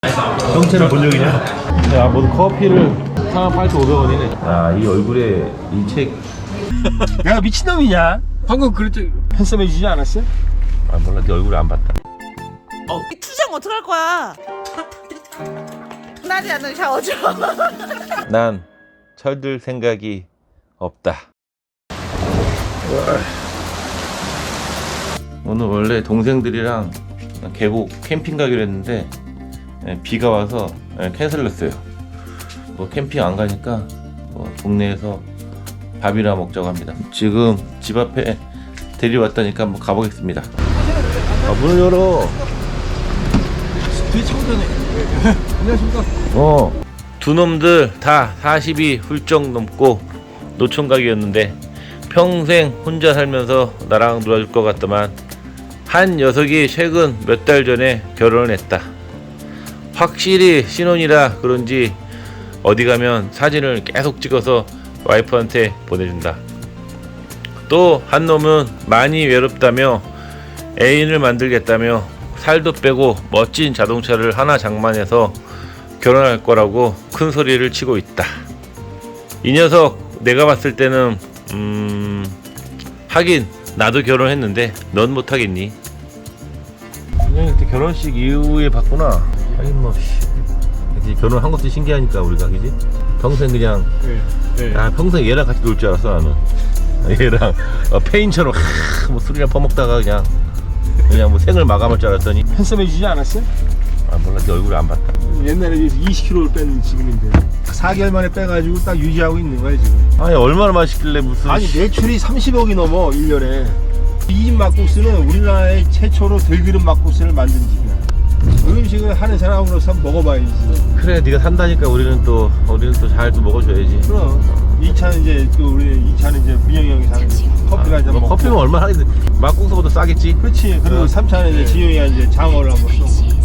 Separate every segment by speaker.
Speaker 1: 형체는 본 적이냐? 야, 모두 커피를 48,500원이네. 야, 이 얼굴에 이 책.
Speaker 2: 내가 미친놈이냐? 방금 그랬지. 핸섬 해주지 않았어?
Speaker 1: 아, 몰라. 네 얼굴을 안 봤다.
Speaker 3: 투정 어떡할 거야? 나지 않는 샤워 좀.
Speaker 1: 난 철들 생각이 없다. 오늘 원래 동생들이랑 계곡 캠핑 가기로 했는데 비가 와서 캔슬했어요. 뭐 캠핑 안 가니까 뭐 동네에서 밥이나 먹자고 합니다. 지금 집 앞에 데려왔다니까 한번 가보겠습니다. 아, 문을 열어.
Speaker 2: 뒤에 차고 전에. 안녕하십니까?
Speaker 1: 두 놈들 다 40이 훌쩍 넘고 노총각이었는데 평생 혼자 살면서 나랑 놀아줄 것 같더만 한 녀석이 최근 몇 달 전에 결혼을 했다. 확실히 신혼이라 그런지 어디 가면 사진을 계속 찍어서 와이프한테 보내준다. 또 한 놈은 많이 외롭다며 애인을 만들겠다며 살도 빼고 멋진 자동차를 하나 장만해서 결혼할 거라고 큰 소리를 치고 있다. 이 녀석 내가 봤을 때는 하긴 나도 결혼했는데 넌 못하겠니? 그냥 그때 결혼식 이후에 봤구나. 하긴 뭐 그치, 결혼한 것도 신기하니까 우리가 그지? 평생 그냥 평생 얘랑 같이 놀 줄 알았어 나는. 얘랑 페인처럼 뭐 술이나 퍼먹다가 그냥 뭐 생을 마감할 줄 알았더니
Speaker 2: 핸섬 해주지 않았어?
Speaker 1: 아 몰라 네 얼굴을 안 봤다.
Speaker 2: 옛날에 20kg를 뺀 지금인데 4개월 만에 빼가지고 딱 유지하고 있는 거야 지금.
Speaker 1: 아니 얼마나 맛있길래 무슨
Speaker 2: 아니 매출이 30억이 넘어 1년에. 이 집 막국수는 우리나라의 최초로 들기름 막국수를 만든 집이야. 그 음식을 하는 사람으로서 먹어봐야지.
Speaker 1: 그래 네가 산다니까 우리는 또 잘 또 먹어줘야지.
Speaker 2: 그럼 2차는 이제 또 우리 2차는 이제 민영이 형이 사는 커피가 이제
Speaker 1: 뭐
Speaker 2: 먹고.
Speaker 1: 커피는 얼마나 하겠지. 막국수보다 싸겠지.
Speaker 2: 그렇지. 그리고 3차는 이제 진영이가 이제 장어를 한번 쏘고.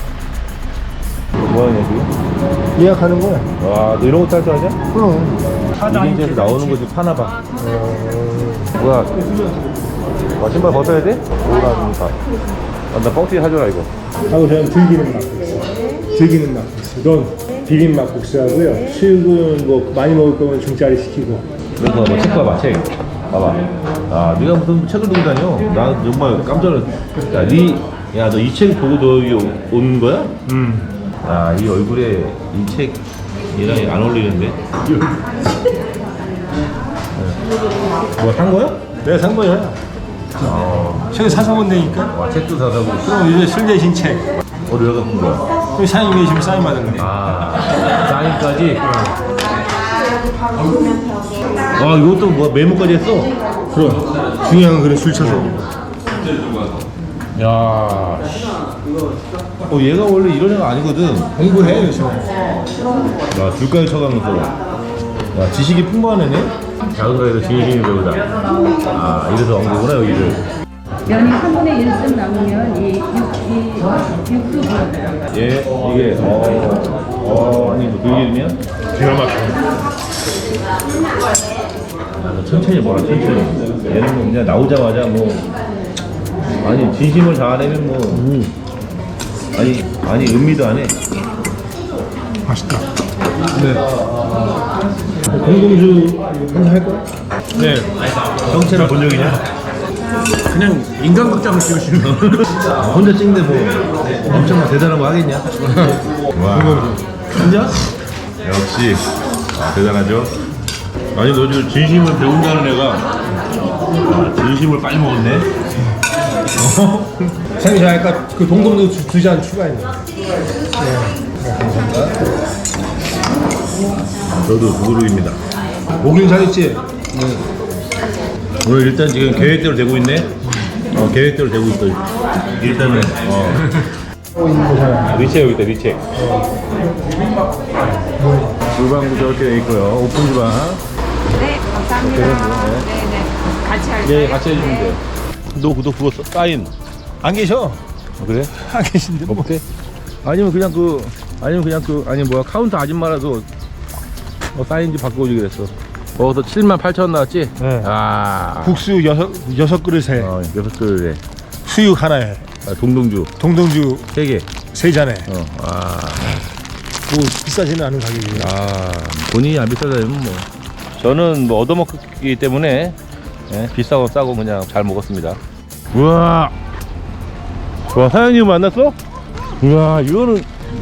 Speaker 1: 뭐하냐 지금?
Speaker 2: 예약하는 거야.
Speaker 1: 와 너 이런 것도 할 줄 아냐?
Speaker 2: 그럼.
Speaker 1: 1인제에서 나오는 거지 파나봐. 뭐야 와 신발 벗어야 돼? 오라니까. 나 뻥튀기 사줘라 이거.
Speaker 4: 하고 저는 들기름 막국수. 들기름 막국수. 넌 비빔 막국수하고요. 수육은 뭐 많이 먹을 거면 중짜리 시키고.
Speaker 1: 그래서 뭐 책 봐봐 책. 봐봐. 아 네가 무슨 책을 들고 다녀? 나 정말 깜짝 놀랐어. 야 너 이 책 보고 너 여기 온 거야? 아 이 얼굴에 이 책 얘랑 안 어울리는데? 뭐 산 거야?
Speaker 2: 내가 산 거야. 책을 사서 본다니까.
Speaker 1: 와 책도 사다고.
Speaker 2: 그럼 이제 술 대신 책.
Speaker 1: 어디 왜 갖고 온 거야?
Speaker 2: 그럼 사장님이 지금 사인 받은 거네.
Speaker 1: 아 사인까지? 와 이것도 뭐 메모까지 했어?
Speaker 2: 그럼 중요한 건 그래 술 쳐서.
Speaker 1: 야 얘가 원래 이런 애가 아니거든.
Speaker 2: 공부해 요즘.
Speaker 1: 야 줄까지 쳐가면서 야 지식이 풍부한 애네? 작은 거에도 진심이 배우다. 아 이래서 온 거구나 여기를.
Speaker 5: 면이 3분의 1쯤 남으면 이 육수 부어요.
Speaker 1: 얘 이게 아니 뭐 들기름이야?
Speaker 2: 기가 막혀.
Speaker 1: 너 천천히 보라 천천히. 얘는 뭐 그냥 나오자마자 뭐 아니 진심을 다하려면 뭐 아니 음미도 안 해.
Speaker 2: 맛있다. 네. 공동주 한잔 할 거야?
Speaker 1: 네. 형체는 본 적이냐?
Speaker 2: 그냥 인간극장을 찍으시는 거.
Speaker 1: 혼자 찍는데 뭐 엄청 대단한 거 하겠냐? 와. 혼자? 역시 대단하죠. 아니 너 지금 진심을 배운다는 애가 진심을 빨리 먹었네.
Speaker 2: 사장님 저 아까 그 동동주 2잔 추가했네.
Speaker 1: 저도 두그룹입니다.
Speaker 2: 오길 잘했지?
Speaker 1: 오늘 일단 지금 계획대로 되고 있네. 계획대로 되고 있어. 일단은 리체 여기 있다 리체. 주방도 저렇게 돼 있고요. 오픈 주방.
Speaker 3: 네, 감사합니다. 네네. 같이 할까요?
Speaker 1: 네 같이 해주면 돼요. 너 그거 사인.
Speaker 2: 안 계셔.
Speaker 1: 그래?
Speaker 2: 안 계신데 뭐.
Speaker 1: 없대? 아니면 그냥 뭐야 카운터 아줌마라도 사인지 바꿔오지 그랬어. 거기서 78,000원 나왔지?
Speaker 2: 네.
Speaker 1: 아
Speaker 2: 국수 6 그릇에
Speaker 1: 6그릇에
Speaker 2: 수육 하나에
Speaker 1: 동동주
Speaker 2: 동동주
Speaker 1: 3개
Speaker 4: 세 잔에.
Speaker 1: 아,
Speaker 4: 뭐 비싸지는 않은 가격이에요.
Speaker 1: 본인이 안 비싸다면 뭐. 저는 뭐 얻어먹기 때문에 비싸고 싸고 그냥 잘 먹었습니다. 우와. 와, 사장님 만났어? 우와, 이거는.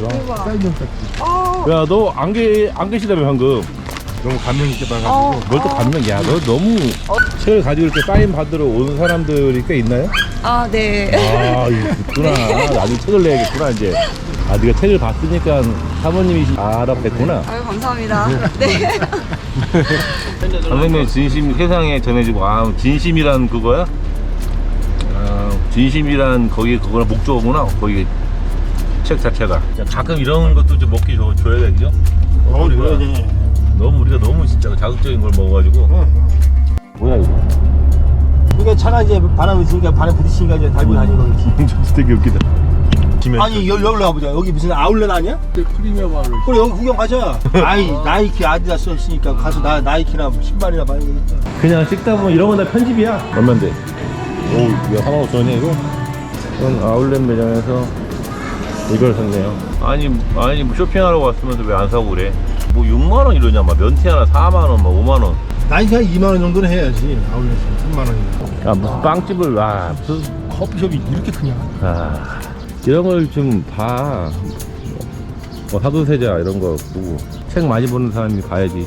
Speaker 1: 야, 너 안 계시다며 방금.
Speaker 4: 너무 감명 있게 봐가지고.
Speaker 1: 뭘 또 감명? 야, 너 너무 책을 가지고 이렇게 사인 받으러 오는 사람들이 꽤 있나요?
Speaker 3: 아, 네.
Speaker 1: 아, 있구나. 나중에 책을 내야겠구나 이제. 아, 네가 책을 봤으니까 사모님이 알아뵀구나.
Speaker 3: 아유, 감사합니다. 네.
Speaker 1: 선생님의 진심 세상에 전해지고, 아, 진심이란 그거야? 아, 진심이란 거기 그거나 목적어구나. 거기 책 자체가. 가끔 이런 것도 좀 먹기 줘야 돼, 그죠?
Speaker 2: 그러지.
Speaker 1: 너무 우리가 너무 진짜 자극적인 걸 먹어가지고. 뭐야 이거?
Speaker 2: 그러니까 차가 이제 바람 있으니까 바람 부딪히니까 이제 달고 다니는 거지.
Speaker 1: 되게 웃기다.
Speaker 2: 아니 여기로 가보자. 여기 무슨 아울렛 아니야?
Speaker 4: 프리미엄 아울렛.
Speaker 2: 그래 여기 구경 가자. 아이 나이키 아디다스 했으니까 가서 나이키나 신발이나 봐야 되겠다.
Speaker 1: 그냥 찍다 보면 이런 건 다 편집이야. 얼만데? 오, 이거 45,000원이야 이거? 이건 아울렛 매장에서 이걸 샀네요. 아니 뭐 쇼핑하러 왔으면서 왜 안 사고 그래? 뭐 6만원 이러냐, 막 면티 하나 4만원, 막 5만원.
Speaker 2: 나이키 한 2만 원 정도는 해야지. 아울렛에 3만 원이나.
Speaker 1: 야, 무슨 빵집을, 와, 무슨,
Speaker 2: 커피숍이 이렇게 크냐?
Speaker 1: 아, 이런 걸 좀 봐. 뭐 사도세자 이런 거 보고. 책 많이 보는 사람이 봐야지.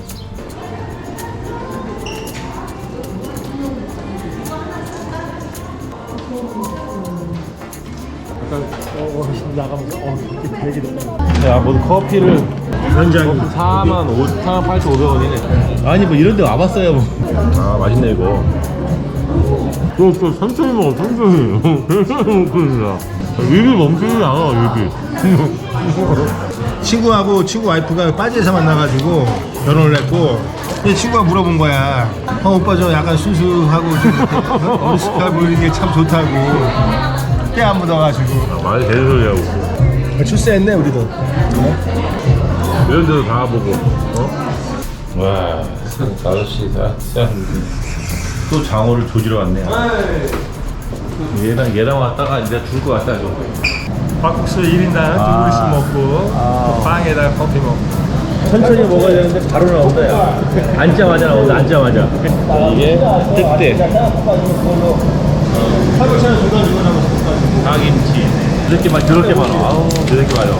Speaker 4: 나가면서 이렇게 얘기 너무.
Speaker 1: 야, 뭐 커피를
Speaker 4: 현장이
Speaker 1: 48,500원이네. 아니 뭐 이런 데 와봤어요 뭐. 아, 맛있네 이거. 또 천천히 먹어, 천천히. 천천히 먹고 있어. 입이 멈추지 않아, 입이.
Speaker 2: 친구 와이프가 빠지에서 만나가지고 결혼을 했고, 근데 친구가 물어본 거야. 오빠 저 약간 순수하고 좀 이렇게 어리숙해 보이는 게 참 좋다고. 때 안 묻어가지고.
Speaker 1: 말이 되는 소리 하고.
Speaker 2: 출세했네 우리도.
Speaker 1: 이런 데도 가보고. 와, 아저씨가 또 장어를 조지러 왔네요. 얘랑 왔다가 이제 죽을 것 같다 이거.
Speaker 4: 막국수 1인당 2그릇씩 먹고 또 빵에다가 커피 먹고.
Speaker 1: 천천히 먹어야 되는데 바로 나온다 야. 앉자마자 나온다, 앉자마자. 이게 특대 닭김치. 이렇게 막 저렇게 많아. 아우, 저렇게 많아.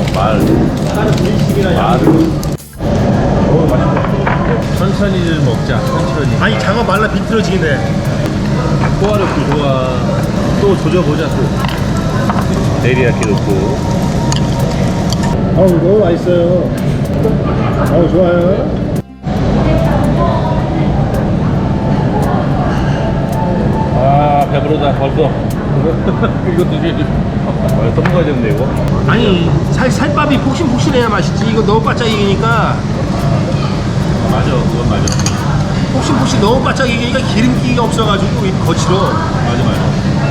Speaker 1: 말을 너무 맛있다. 천천히를 먹자, 천천히.
Speaker 2: 아니 장어 말라 비틀어지겠네.
Speaker 1: 포화력도 좋아. 또 조져보자 또. 데리야끼 넣고.
Speaker 2: 아우 너무 맛있어요. 아우 좋아요.
Speaker 1: 아, 배부르다 벌써. 이것도 이제 또 먹어야 되는데 이거.
Speaker 2: 아니 살밥이 폭신폭신해야 맛있지. 이거 너무 바짝이기니까.
Speaker 1: 맞아, 그건 맞아.
Speaker 2: 폭신폭신 너무 바짝이기니까 기름기가 없어가지고 거칠어.
Speaker 1: 맞아.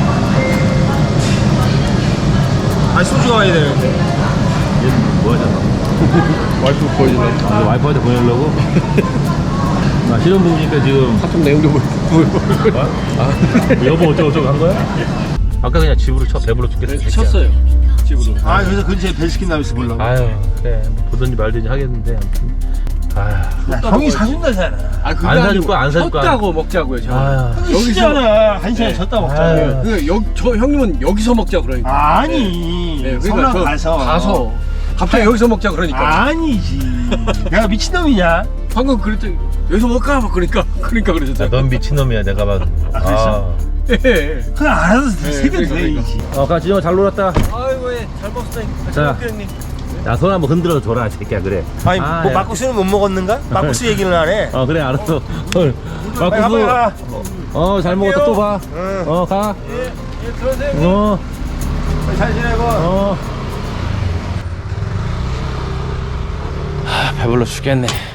Speaker 2: 아니 소주가 와야 되는데.
Speaker 1: 얘는 뭐 하잖아. 와이프 보여주네. 아, 와이프한테 보내려고? 아, 실험 보니까 지금 사촌 내용도 보여. 아, 여보 어쩌고저쩌고 한 거야? 아까 그냥 집으로 배불러 죽겠어.
Speaker 4: 쳤어요 집으로.
Speaker 2: 아 그래서 근처에 벨스킨 나비스 보려고.
Speaker 1: 아유, 그래. 뭐 보든지 말든지 하겠는데, 아무튼. 아휴.
Speaker 2: 형이 사준다잖아.
Speaker 4: 아, 그게
Speaker 1: 안 사줄
Speaker 4: 아니고
Speaker 1: 거야, 안 사줄 거야.
Speaker 4: 쳤다고 먹자고요 저.
Speaker 1: 아유.
Speaker 2: 여기잖아. 한 시간에 졌다 먹자.
Speaker 1: 아유.
Speaker 4: 저 형님은 여기서 먹자 그러니까.
Speaker 2: 아니.
Speaker 4: 네,
Speaker 2: 성남
Speaker 4: 저
Speaker 2: 가서.
Speaker 4: 갑자기 여기서 먹자 그러니까.
Speaker 2: 아니지. 내가 미친놈이냐?
Speaker 4: 방금 그랬더니 여기서 먹까 막 그러니까 그러셨잖아.
Speaker 1: 넌 미친놈이야, 내가 봐도.
Speaker 2: 그랬어?
Speaker 4: 예.
Speaker 2: 그냥 알아서 세게
Speaker 4: 그러니까.
Speaker 2: 돼야지.
Speaker 1: 가, 진영아, 잘 놀았다.
Speaker 4: 아이고 잘 먹었다.
Speaker 1: 자, 야, 손 한번 흔들어 줘라, 새끼야, 그래.
Speaker 2: 아니
Speaker 1: 아,
Speaker 2: 뭐
Speaker 1: 야.
Speaker 2: 막국수는 못 먹었는가? 막국수 얘기는 안 해.
Speaker 1: 그래, 알았어.
Speaker 2: 빨리
Speaker 1: 막국수.
Speaker 2: 가.
Speaker 1: 잘 먹었다, 또 봐.
Speaker 2: 응.
Speaker 1: 가.
Speaker 4: 예, 들어오세요.
Speaker 2: 잘 지내고.
Speaker 1: 배불러 죽겠네.